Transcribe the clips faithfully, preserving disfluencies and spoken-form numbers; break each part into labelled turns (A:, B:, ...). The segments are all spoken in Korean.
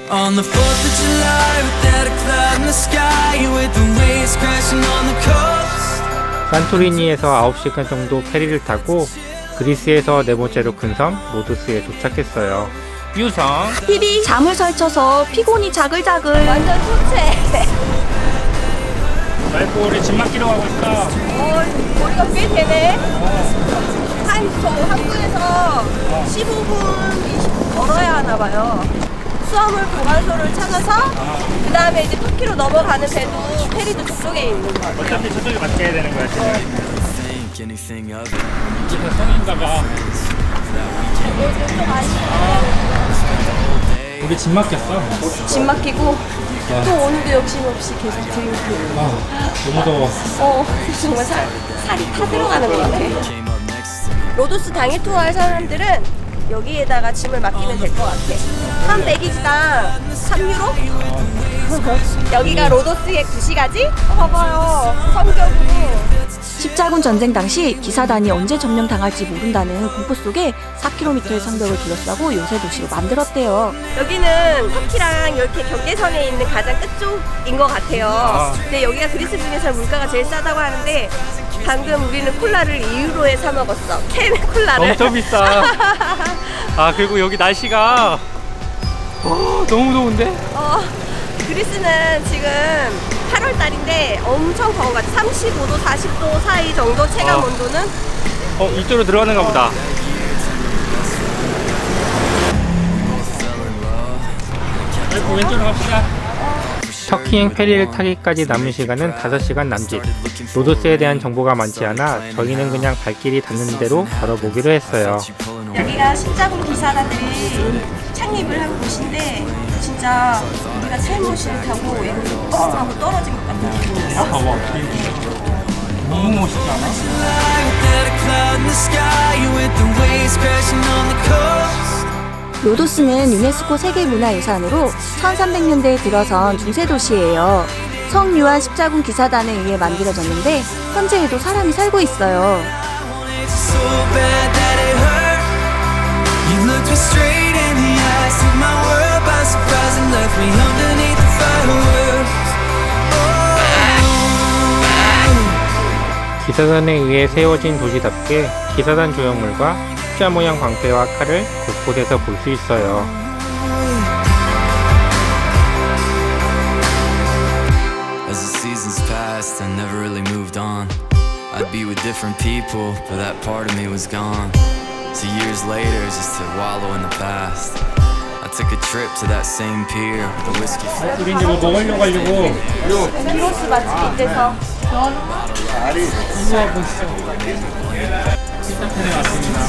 A: On the fourth of July, without a cloud in the sky, with the waves crashing on the coast.
B: 산토리니에서 아홉 시간 정도 페리를 타고 그리스에서 네 번째로 큰 섬 로도스에 도착했어요. 유성
C: 피비 잠을 설쳐서 피곤이 자글자글. 완전 초췌.
B: 말고 우리 짐 맡기러 가고 있어.
C: 어, 거리가 꽤 되네. 한, 저 한국에서 십오 분, 이십 분 걸어야 하나 봐요. 수화물 보관소를 찾아서 그 다음에 이제 터키로 넘어가는 배도 페리도 저쪽에 있는 거 같아요.
B: 어차피 저쪽에 맡겨야 되는 거야 지금.
A: Think anything of it.
B: 이게 성인가 봐. 우리 짐 맡겼어.
C: 짐 맡기고 또 오늘도 욕심없이 계속 드링크.
B: 아, 너무 더워.
C: 어, 정말 살, 살이 타 들어가는 것 같아.
A: Came up next to me.
C: 로도스 당일 투어 할 사람들은 여기에다가 짐을 맡기면 될 것 같아. 한 배기지당 삼 유로? 여기가 로도스의 구시가지? 어, 봐봐요. 성격으로. 십자군 전쟁 당시 기사단이 언제 점령당할지 모른다는 공포 속에 사 킬로미터의 성벽을 둘러싸고 요새 도시로 만들었대요. 여기는 터키랑 이렇게 경계선에 있는 가장 끝쪽인 것 같아요.
B: 아.
C: 근데 여기가 그리스 중에서 물가가 제일 싸다고 하는데 방금 우리는 콜라를 이 유로에 사 먹었어. 캔 콜라를.
B: 엄청 비싸. 아 그리고 여기 날씨가 어, 너무 더운데?
C: 어, 그리스는 지금 팔월 달인데 엄청 더운 것 같아. 삼십오 도, 사십 도 사이 정도 체감
B: 어.
C: 온도는.
B: 어 이쪽으로 들어가는가 보다. 아이고 왼쪽으로 갑시다. 터키행 페리를 타기까지 남은 시간은 다섯 시간 남짓. 로도스에 대한 정보가 많지 않아 저희는 그냥 발길이 닿는 대로 걸어보기로 했어요.
C: 여기가 십자군 기사단들이 창립을 한 곳인데 진짜 우리가 타임머신을 타고 이거 뻥 하고 떨어진 것 같은 느낌이에요.
B: 봐봐. 너무 멋있지 않아?
A: Without a cloud in the sky, with the waves crashing on the coast.
C: 로도스는 유네스코 세계문화유산으로 천삼백 년대에 들어선 중세도시예요. 성유한 십자군 기사단에 의해 만들어졌는데 현재에도 사람이 살고 있어요.
A: So bad that it hurt. You looked me straight in the eyes, took my world by surprise and left me underneath the fireworks.
B: 기사단에 의해 세워진 도시답게 기사단 조형물과 십자 모양 광대와 칼을 곳곳에서 볼 수 있어요.
A: As the seasons passed, I never really moved on. I'd be with different people, but that part of me was gone. So years later, just to wallow in the past, I took a trip to that same pier with a whiskey.
B: 우리 이제 뭐 먹으려고 하려고
C: 기로스 맛집 이때서
B: 우와 멋있어. 피타펜에 왔습니다.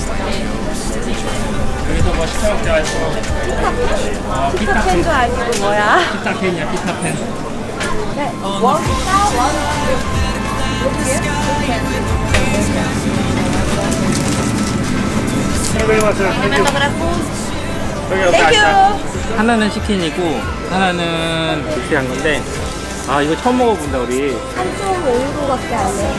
B: 여기서 뭐 시켜 먹자 했어. 아,
C: 피타펜 줄 알고 뭐야?
B: 피타펜이야 피타펜.
C: 네, 원, 원, 땡큐.
B: 하나는 치킨이고 하나는 믹스한 건데 아 이거 처음 먹어본다 우리.
C: 삼 점 오 유로밖에 안 해.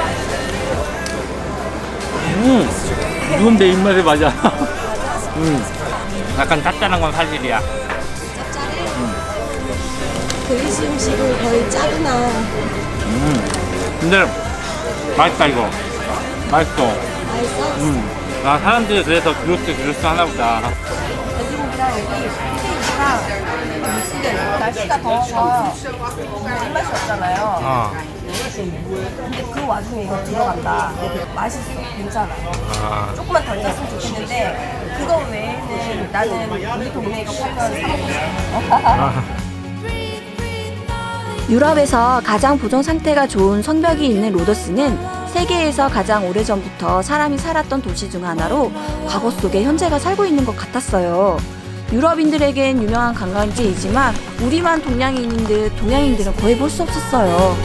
B: 음 이건 내 입맛에 맞아. 음 약간 짭짤한 건 사실이야.
C: 짭짤해? 그리스 음식은 거의 짜구나.
B: 음 근데 맛있다 이거. 맛있어.
C: 맛있어?
B: 음. 아 사람들이 그래서 gyro스 gyro스 하나보다.
C: 돼지고기랑 여기 스테이크랑 지금 날씨가 더워서 입맛이 없잖아요.
B: 어.
C: 근데 그 와중에 이거 들어간다. 맛있어. 괜찮아.
B: 아.
C: 조금만 덜 짰으면 좋겠는데 그거 외에는 나는 우리 동네 이거 팔면 사 먹고 싶어.
B: 아.
C: 유럽에서 가장 보존 상태가 좋은 성벽이 있는 로도스는 세계에서 가장 오래전부터 사람이 살았던 도시 중 하나로 과거 속에 현재가 살고 있는 것 같았어요. 유럽인들에겐 유명한 관광지이지만 우리만 동양인인 듯 동양인들은 거의 볼 수 없었어요.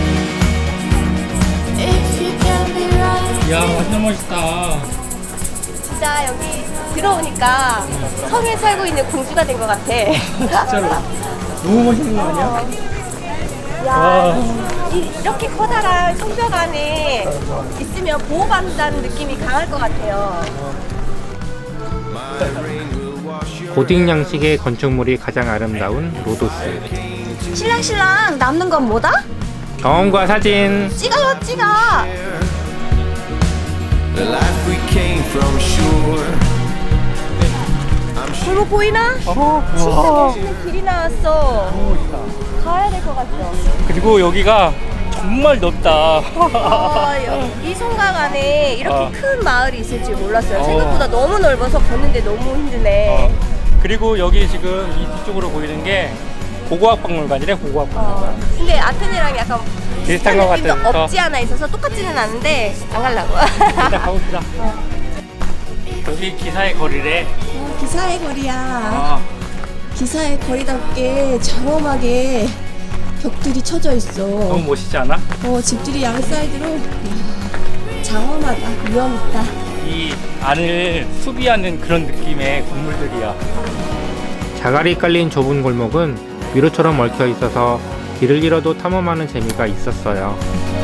B: 야 완전 멋있다.
C: 진짜 여기 들어오니까 성에 살고 있는 공주가 된 것 같아.
B: 진짜로 너무 멋있는 거 아니야?
C: 야,
B: 와.
C: 이, 이렇게 커다란 성벽 안에 있으면 보호받는다는 느낌이 강할 것 같아요.
D: My rain will wash you
B: 고딕 양식의 건축물이 가장 아름다운 로도스.
C: 신랑 신랑 남는 건 뭐다?
B: 경험과 사진.
C: 찍어요 찍어.
D: The life we came from shore.
C: 골목 보이나?
B: 어,
C: 진짜 멋있는 길이 나왔어. 가야 될 것 같죠?
B: 그리고 여기가 정말 넓다.
C: 어, 여기 이 성곽 안에 이렇게
B: 어.
C: 큰 마을이 있을 줄 몰랐어요.
B: 어.
C: 생각보다 너무 넓어서 걷는데 너무 힘드네.
B: 어, 그리고 여기 지금 이 뒤쪽으로 보이는 게 고고학 박물관이래. 고고학 박물관.
C: 어. 근데 아테네랑 약간
B: 비슷한 것
C: 느낌도
B: 같아서.
C: 없지 않아 있어서 똑같지는 않은데 안 가려고.
B: 일단 가봅시다. 여기 기사의 거리래.
C: 어, 기사의 거리야.
B: 아,
C: 기사의 거리답게 장엄하게 벽들이 쳐져 있어.
B: 너무 멋있지 않아?
C: 어, 집들이 양 사이드로. 이야, 장엄하다. 위험 있다.
B: 이 안을 수비하는 그런 느낌의 건물들이야. 자갈이 깔린 좁은 골목은 미로처럼 얽혀 있어서 길을 잃어도 탐험하는 재미가 있었어요.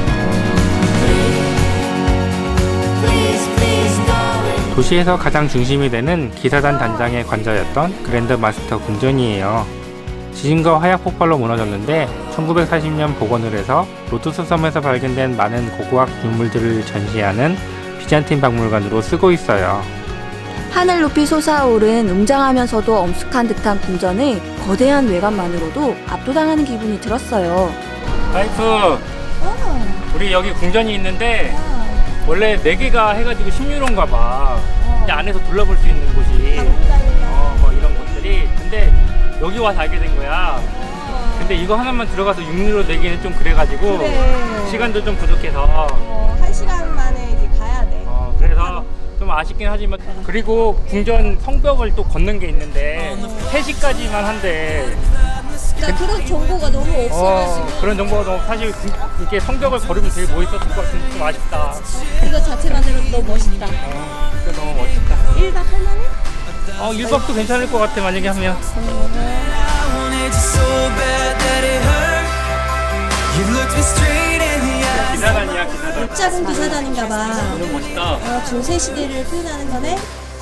B: 도시에서 가장 중심이 되는 기사단 단장의 관저였던 그랜드 마스터 궁전이에요. 지진과 화약 폭발로 무너졌는데 천구백사십 년 복원을 해서 로도스 섬에서 발견된 많은 고고학 유물들을 전시하는 비잔틴 박물관으로 쓰고 있어요.
E: 하늘 높이 솟아오른 웅장하면서도 엄숙한 듯한 궁전의 거대한 외관만으로도 압도당하는 기분이 들었어요.
B: 와이프, 우리 여기 궁전이 있는데 원래 네 개가 해가지고 십 유로인가 봐. 이제 안에서 둘러볼 수 있는 곳이 어, 뭐 이런 곳들이. 근데 여기 와서 알게 된 거야. 근데 이거 하나만 들어가서 육 유로 내기는 좀 그래가지고
C: 그래.
B: 시간도 좀 부족해서
C: 어, 한 시간 만에 이제 가야 돼.
B: 어, 그래서 좀 아쉽긴 하지만. 그리고 궁전 성벽을 또 걷는 게 있는데 세 시까지만 한대.
C: 나 그런 정보가 너무
B: 어,
C: 없어가지고
B: 그런 정보가 너무 사실 그- 이렇게 성벽을 걸으면 되게 멋있었을 것 같은데 좀 아쉽다.
C: 이거 자체만으로도 너무 멋있다.
B: 어, 그게 너무 멋있다.
C: 일 박 할만해?
B: 어, 일 박도 괜찮을 것 같아, 만약에 하면.
D: I wanted you so bad that it hurt. You looked me straight in the eyes.
B: 기사단이야, 기사단.
C: 작은 기사단인가 봐.
B: 너무 멋있다.
C: 어, 중세 시대를 표현하는 거네.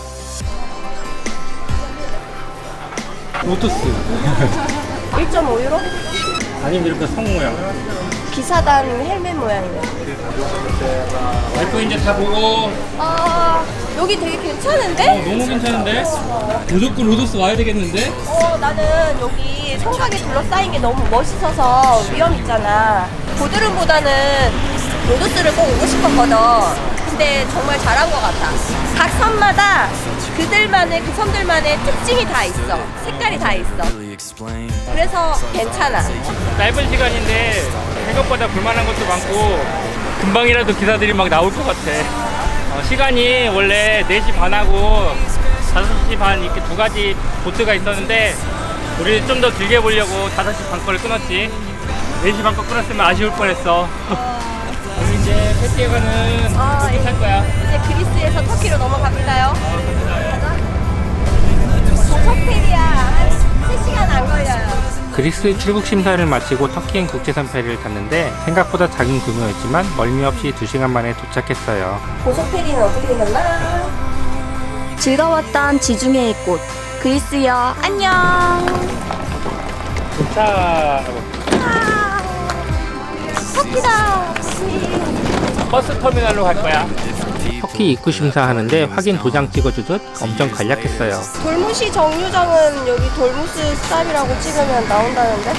B: 로투스.
C: 일 점 오 유로?
B: 아니면 이렇게 성 모양.
C: 기사단 헬멧 모양이네.
B: 와이프 이제 다 보고.
C: 아, 여기 되게
B: 어,
C: 괜찮은데?
B: 너무 괜찮은데? 무조건 로도스 와야 되겠는데?
C: 어, 나는 여기 성곽에 둘러싸인 게 너무 멋있어서 위험 있잖아. 보드름보다는 로도스를 꼭 오고 싶었거든. 근데 정말 잘한 것 같아. 각 섬마다 그들만의, 그 섬들만의 특징이 다 있어. 색깔이 다 있어.
A: Really explain.
C: 그래서 괜찮아.
B: 짧은 시간인데 생각보다 볼만한 것도 많고 금방이라도 기사들이 막 나올 것 같아. 어, 시간이 원래 네 시 반하고 다섯 시 반 이렇게 두 가지 보트가 있었는데 우리 좀 더 길게 보려고 다섯 시 반 거를 끊었지. 네 시 반 거 끊었으면 아쉬울 뻔했어. 우리 이제 패티에 가는
C: 아,
B: 보트
C: 예.
B: 탈 거야.
C: 이제 그리스에서 터키로 넘어갑니다요. 가자. 고속페리야. 한 세 시간 안 걸려요.
B: 그리스 출국 심사를 마치고 터키행 국제선 페리를 탔는데 생각보다 작은 규모였지만 멀미 없이 두 시간 만에 도착했어요.
C: 고속페리는 어떻게 생겼나?
E: 즐거웠던 지중해의 꽃 그리스여 안녕.
B: 도착.
C: 터키다.
B: 버스 터미널로 갈 거야. 터키 입구 심사하는데 확인 도장 찍어주듯 엄청 간략했어요.
C: 돌무시 정류장은 여기 돌무스 스탑이라고 찍으면 나온다는데?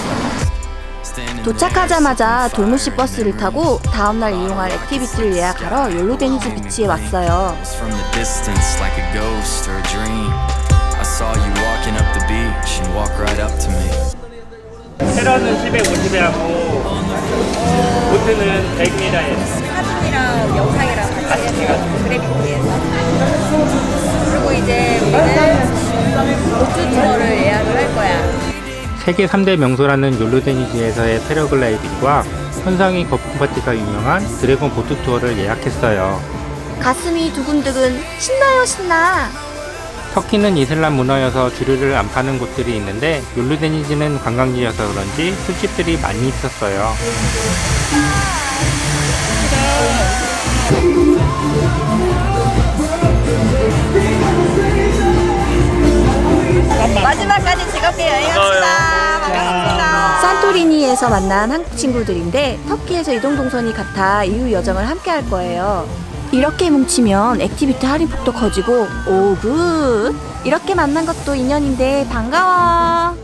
E: 도착하자마자 돌무시 버스를 타고 다음날 이용할 액티비티를 예약하러 욜로데니즈 비치에 왔어요.
A: From the distance, like a ghost or a dream. I saw you walking up the beach and walk right up to me.
B: 테러는 칠백오십에 하고 보트는 백미라에.
C: 사진이랑 영상이랑 같이 해서 그래픽에서. 그리고 이제 우리는 보트 투어를 예약을 할 거야.
B: 세계 삼 대 명소라는 욜로데니즈에서의 패러글라이딩과 현상이 거품 파티가 유명한 드래곤 보트 투어를 예약했어요.
E: 가슴이 두근두근 신나요 신나.
B: 터키는 이슬람 문화여서 주류를 안 파는 곳들이 있는데 욜로데니즈는 관광지여서 그런지 술집들이 많이 있었어요.
C: 마지막까지 즐겁게 여행합시다. 반갑습니다.
E: 산토리니에서 만난 한국 친구들인데 터키에서 이동 동선이 같아 이후 여정을 함께 할 거예요. 이렇게 뭉치면 액티비티 할인폭도 커지고 오 굿! 이렇게 만난 것도 인연인데 반가워.